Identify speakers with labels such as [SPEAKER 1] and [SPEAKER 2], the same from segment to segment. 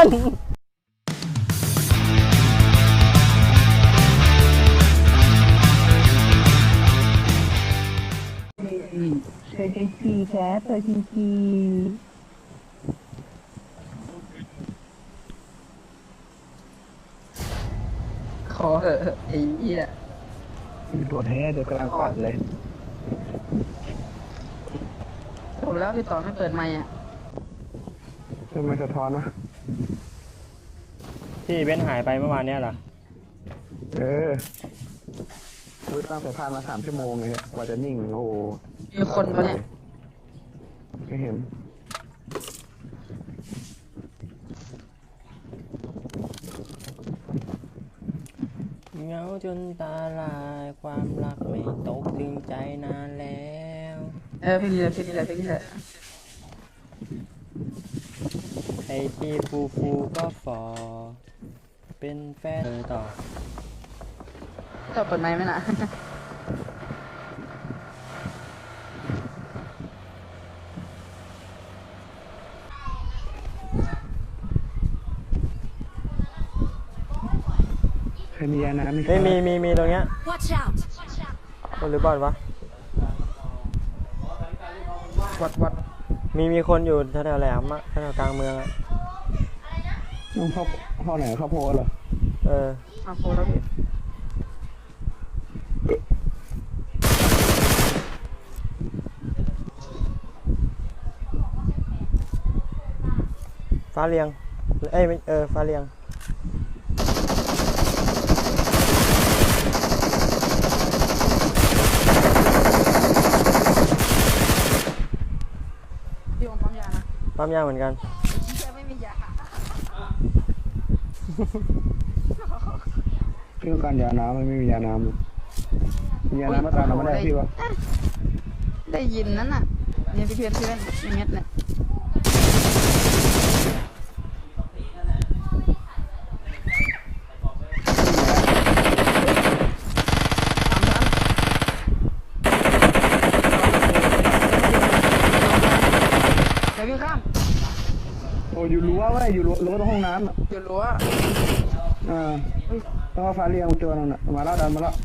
[SPEAKER 1] น
[SPEAKER 2] เคยขี่แคสเคยขี่ขอเหอะไอ้เหี้ยตัวแท้เดี๋ยวกำลังปัดเลยผมแล้วพี่ต่อไม่เปิดไมค์อ่ะทำไมสะท้อนวะ
[SPEAKER 1] ที่เบนหายไปเมื่อวานเนี้ยเหรอ
[SPEAKER 2] คือตั้งแต่ผ่านมา3 ชั่วโมงเลยกว่าจะนิ่งโอ้มีคนปะเนี่ยไม่เห็น
[SPEAKER 1] เหงาจนตาลายความรักไม่ตกถึงใจนานแล้ว
[SPEAKER 2] เพลงนี้แหละเพลงนี้แหละเพลงนี้แหละ
[SPEAKER 1] ไอ้ที่ฟูก็ฟอเป็นแฟนต่อ
[SPEAKER 2] เปิดไมค์ไหมนะเคยมียาน้ำ
[SPEAKER 1] ไม่มีตรงเนี้ยคนหรือบอดวะ
[SPEAKER 2] วัด
[SPEAKER 1] มีคนอยู่แถวแหลมอะแถวกลางเมืองอะ
[SPEAKER 2] น้องเข้าไหนเข้าโพเหรอเข้าโพแล้วพี่
[SPEAKER 1] ฟ้าเรียงฟ้าเรียง
[SPEAKER 2] พี่ผมปั๊มยานะ
[SPEAKER 1] ปั๊มยาเหมือนกัน
[SPEAKER 2] ไม่มียาพี่ต้องการยาน้ำไม่มียาน้ำยาน้ำมาตามเราไม่ได้พี่วะได้ยินนั่นน่ะเนี่ยพี่เพื่อนเม็ดเนี่ยโอ้อยู่รั้วเว้ยอยู่รั้วตรงห้องน้ำอยู่รั้วต้องเอาฟ้าเรียงตัวนึงน่ะมาแล้วดันมาแล้ว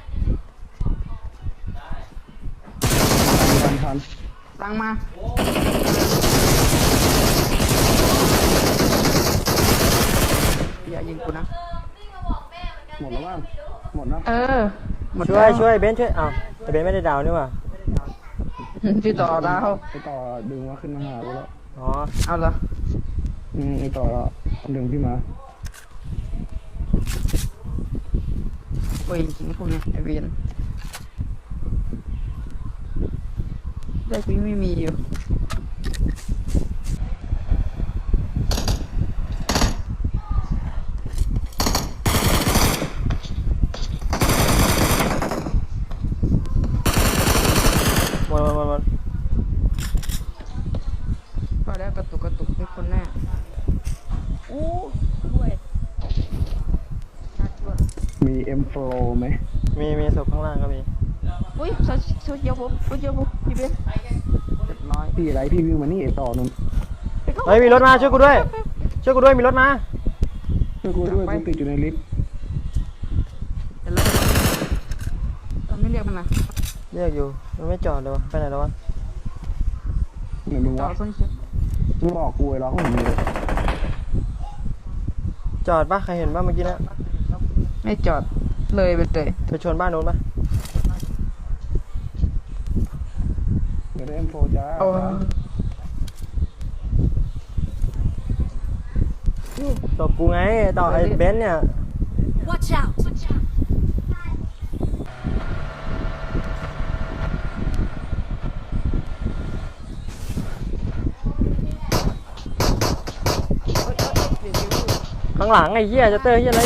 [SPEAKER 2] ทันตังมาอย่ายิงกูนะหมดแล้วบ้างหมดนะ
[SPEAKER 1] หมดช่วยเบนช่วยแต่เบนไม่ได้ดาวนี่ว่ะ
[SPEAKER 2] พี่ต่อดาวไปต่อดึงมาขึ้นมาหากูแล้วเอาเหรอไอต่อแล้วดึงพี่มาโอ้ยจริงพวกนี้ไอเวียนได้พี่ไม่มีอยู่
[SPEAKER 1] หมด
[SPEAKER 2] พอแล้วกระตุกเป็นคนแน่ด้วยมี M4 ไหม
[SPEAKER 1] มีศพข้างล่างก็มี
[SPEAKER 2] อุ้ยโซเชียลผมพี่เบนพี่อะไรพี่วิ่งมานี่ต่อนุ่ม
[SPEAKER 1] เฮ้ยมีรถมาช่วยกูด้วยมีรถมา
[SPEAKER 2] ช่วยกูด้วยกูติดอยู่ในลิฟต์ไม่เรียกมันนะ
[SPEAKER 1] เรียกอยู่มันไม่จอดเลยวะไปไหนแล้ววะ
[SPEAKER 2] ไหนมึงวะมึงบอกกูไอ้ร้องผมเลย
[SPEAKER 1] จอดปะใครเห็นปะเมื่อกี้นะ
[SPEAKER 2] ไม่จอดเลยไป
[SPEAKER 1] ชนบ้านโน้นปะ
[SPEAKER 2] เดี๋ยวได้ M4 จ้า
[SPEAKER 1] ตบกูไงต่อไอ้เบนซ์เนี่ยข้างหลังไอ้เหี้ยจะเตอร์เหี้ยอะไร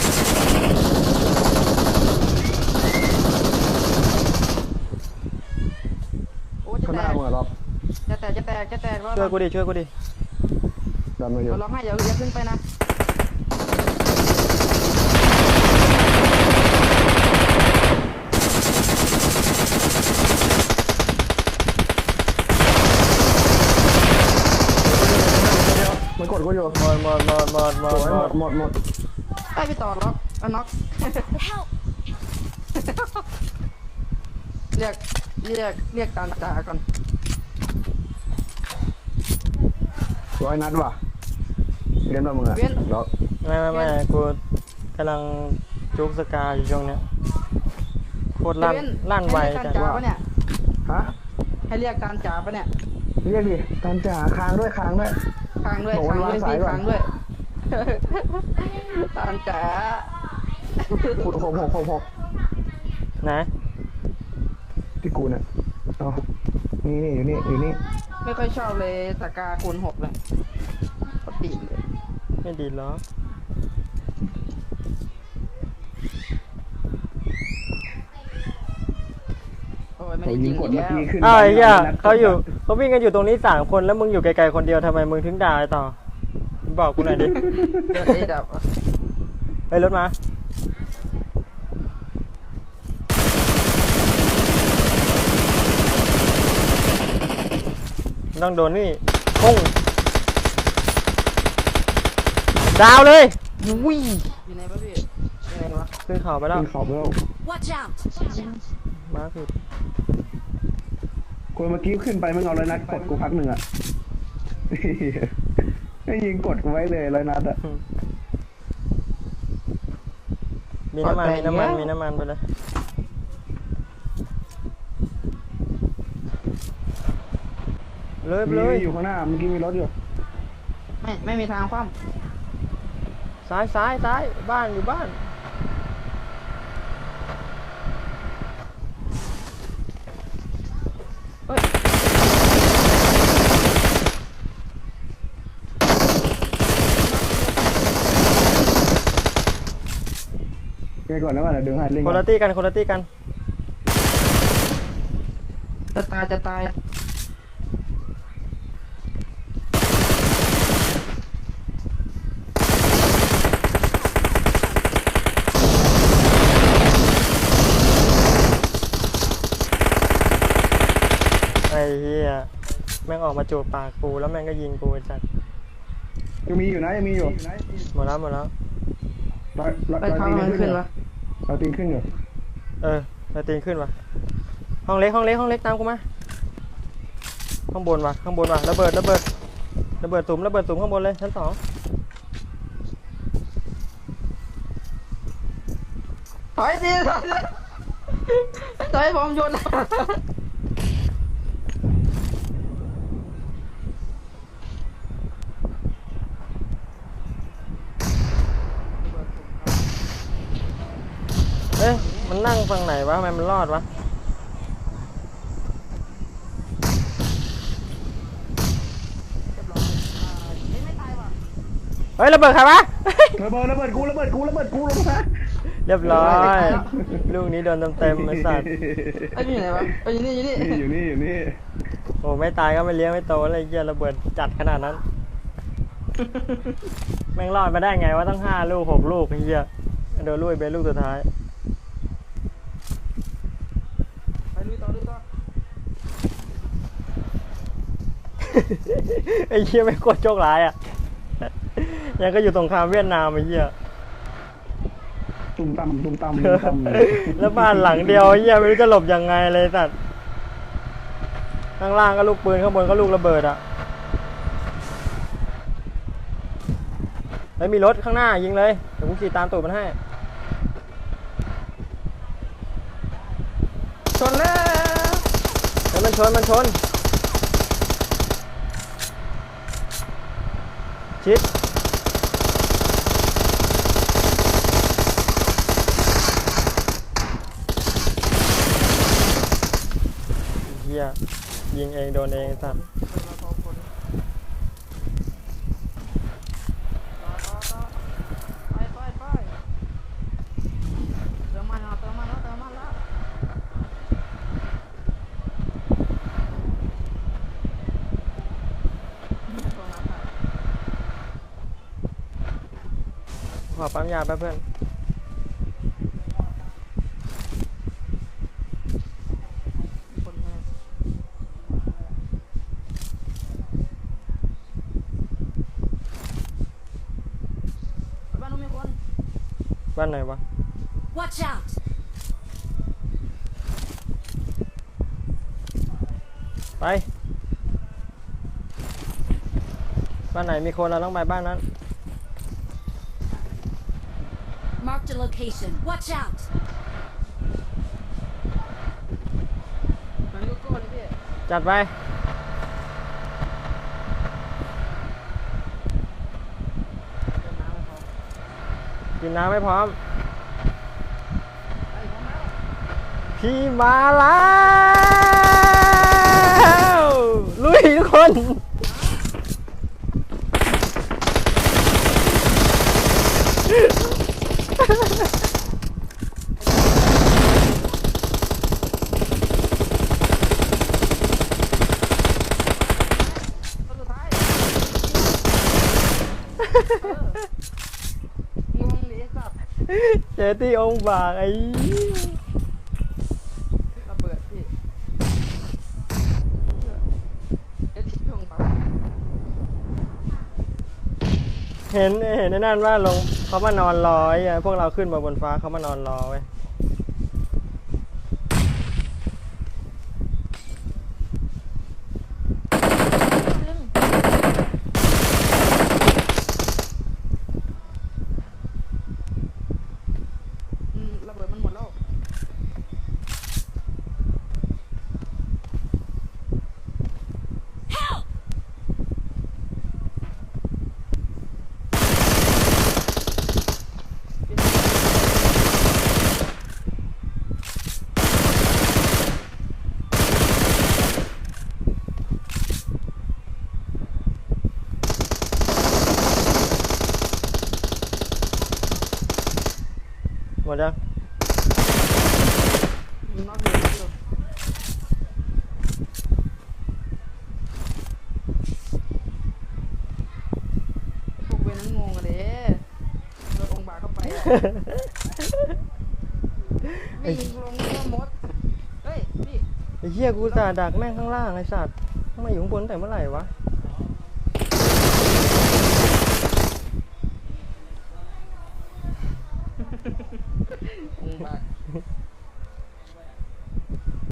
[SPEAKER 2] ข้างหน้ามึงเหรอจะแตก
[SPEAKER 1] ช่วยกูดิ
[SPEAKER 2] ดันมาอยู่ร้องให้อย่าขึ้นไปนะมันกดกูอยู่
[SPEAKER 1] หมดหมดหมดหมดหม
[SPEAKER 2] ส
[SPEAKER 1] ด
[SPEAKER 2] วย
[SPEAKER 1] ห
[SPEAKER 2] ห
[SPEAKER 1] ม
[SPEAKER 2] ม
[SPEAKER 1] ด
[SPEAKER 2] ดหมดหมด
[SPEAKER 3] ไอ้พี่ต่อล็อกน็อก
[SPEAKER 4] Help!
[SPEAKER 3] เรียกตามจ่าก่อน
[SPEAKER 2] ร้อยนัดว่ะเรียนมามึงอะล็อก
[SPEAKER 1] ไม่กูกำลังจุกสกาอยู่ช่วงเนี้ยโคตรลั่น
[SPEAKER 3] เว้น
[SPEAKER 1] ลั่นไว
[SPEAKER 3] ให้เรียก
[SPEAKER 1] จั
[SPEAKER 3] ตาง มจ่าปะเนี่ย
[SPEAKER 2] ฮะ
[SPEAKER 3] ให้เรียกตามจ่าปะเนี่ย
[SPEAKER 2] เรียกดิตามจ่าค้างด้วยค้างด้วย
[SPEAKER 3] ค้างด้วย
[SPEAKER 2] โอ้โห
[SPEAKER 3] ค้างด้วย
[SPEAKER 2] วางสาย
[SPEAKER 3] พี่
[SPEAKER 2] ก่อน
[SPEAKER 3] ค้างด้วย ตามจ่า
[SPEAKER 2] ขุดหก
[SPEAKER 1] นะ
[SPEAKER 2] ที่กูน่ะเอานี่อยู่นี่
[SPEAKER 3] ไม่ค่อยชอบเลยสกาคูณ6เลยปกติเลย
[SPEAKER 1] ไม่ดีหรอก
[SPEAKER 3] โอ้ยไม่
[SPEAKER 2] โอ้
[SPEAKER 3] ได้
[SPEAKER 2] ยิ
[SPEAKER 3] ยิ
[SPEAKER 2] ง
[SPEAKER 3] ง
[SPEAKER 2] กด
[SPEAKER 3] อีก
[SPEAKER 2] เมื่อ
[SPEAKER 3] แล้ว
[SPEAKER 2] กี้ขึ้น
[SPEAKER 1] อ้าวไอ้เหี้ย
[SPEAKER 2] นัด
[SPEAKER 1] เขาอยู่เขาวิ่งกันอยู่ตรงนี้3 คนแล้วมึงอยู่ไกลๆคนเดียวทำไมมึงถึงด่าไอ้ต่อบอกกูหน่อยดิ
[SPEAKER 3] เดี๋ยวไอ้ดับ
[SPEAKER 1] เฮ้ยรถมาต้องโดนนี่ปุ้งดาวเลยวิ่ง
[SPEAKER 3] อยู่ไหนวะพี่อยู่ไหนวะ
[SPEAKER 1] ขึ้นเขาไปแล้ว
[SPEAKER 2] ขึ้นเขาไปแล้ว
[SPEAKER 4] Watch out!
[SPEAKER 1] มาผิด
[SPEAKER 2] คนเมื่อกี้ขึ้นไปมึงเอาร้อยนัดกดกูพักหนึ่งอะให้ยิงกดกูไว้เลยร้อยนัดอะ
[SPEAKER 1] มีน้ำมันมีน้ำมันมีน้ำมันไปเลยเลยไป
[SPEAKER 2] มี
[SPEAKER 1] เลย
[SPEAKER 2] อยู่ข้างหน้าเมื่อกี้มีรถอยู่
[SPEAKER 3] ไม่มีทางคว่
[SPEAKER 1] ซ้ายบ้านอยู่บ้าน
[SPEAKER 3] ำเฮ้ย
[SPEAKER 2] แกก่อนนะว่าเดี๋ยวดึงให้เล่น
[SPEAKER 1] คนละตี้กันคนละตี้กัน
[SPEAKER 3] จะตาย
[SPEAKER 1] ไอ้เหี้ยแม่งออกมาจูบปากกูแล้วแม่งก็ยิงกูไอ้จัด
[SPEAKER 2] ยังมีอยู่นะยังมีอยู่
[SPEAKER 1] หมดแล้วร้อย
[SPEAKER 3] ไปทางมันขึ้นวะ
[SPEAKER 2] เราตีนขึ้นอยู่
[SPEAKER 1] เราตีนขึ้นว่ะห้องเล็กตามกูมาข้างบนว่ะระเบิดสุ่มข้างบนเลยชั้น 2
[SPEAKER 3] ถอยสิถอยผมโยน
[SPEAKER 1] เอ๊ะมันนั่งฝั่งไหนวะทำไมมันรอดวะเฮ้ยระเบิดใครวะ
[SPEAKER 2] ระเบิดกูลงมา
[SPEAKER 1] เรียบร้อยลูกนี้โดนเต็มๆไอ้สัตว์
[SPEAKER 3] ไอ้พี่อยู่ไหนวะไอ้อยู่นี่
[SPEAKER 2] อยู่นี่
[SPEAKER 1] โอ้ไม่ตายก็ไม่เลี้ยงไม่โตอะไรเงี้ยระเบิดจัดขนาดนั้น แม่งรอดมาได้ไงว่าตั้ง5 ลูก 6 ลูกไอ้เหี้ยโดนลูกเป็นลูกสุดท้าย
[SPEAKER 3] ไปลุยต่อ
[SPEAKER 1] ไอ้เหี้ยไม่งโคตรโชคร้ายอ่ะ ยังก็อยู่สงครามเวียดนามไอ้เหี้ย
[SPEAKER 2] ตุ้มตั้ม
[SPEAKER 1] แล้วบ้านหลังเดียวไอ้เหี้ยไม่รู้จะหลบยังไงเลยสัตว์ข้างล่างก็ลูกปืนข้างบนก็ลูกระเบิดอ่ะแล้วมีรถข้างหน้ายิงเลยเดี๋ยวกูขี่ตามตูดมันให้
[SPEAKER 3] ชนแล้ว
[SPEAKER 1] แล้วมันชนชิดเฮียยิงเองโดนเองสัตว์
[SPEAKER 3] ไปเติมมันแล้ว
[SPEAKER 1] ขอปั๊มยาแป๊บเพื่อนบ้านไหนวะ
[SPEAKER 4] Watch out!
[SPEAKER 1] ไปบ้านไหนมีคนเราต้องไปบ้านนั้น
[SPEAKER 4] Marked a location. Watch out!
[SPEAKER 3] มันลูกโก้เลยพี่
[SPEAKER 1] จัดไปกินน้ำไม่พร้อม
[SPEAKER 3] ไอ้พร้อมแล้ว
[SPEAKER 1] พี่มาแล้วลุยทุกคน
[SPEAKER 3] คนสุดท้ายงงดิสัตว์
[SPEAKER 1] เจอที่องค์บากไอ้
[SPEAKER 3] ระเบิดพี่เอ็ดช่วงปั๊บ
[SPEAKER 1] เห็นในนั่นว่าลงเขามานอนรอไอ้พวกเราขึ้นมาบนฟ้าเขามานอนรอไว้ย
[SPEAKER 3] ระเบิดมันหมดแล้ว
[SPEAKER 4] Help!
[SPEAKER 1] หมดยัง
[SPEAKER 3] นอกอยู่อยู่พวกเวรนั้นงงอะเด้โดนองค์บากเข้าไปอะวิ่งลงก็มด เฮ้ยพี่
[SPEAKER 1] ไอ้เหี้ยกูจ่าดักแม่งข้างล่างไอ้สัตว์ทำไมอยู่ข้างบนตั้งแต่เมื่อไหร่วะ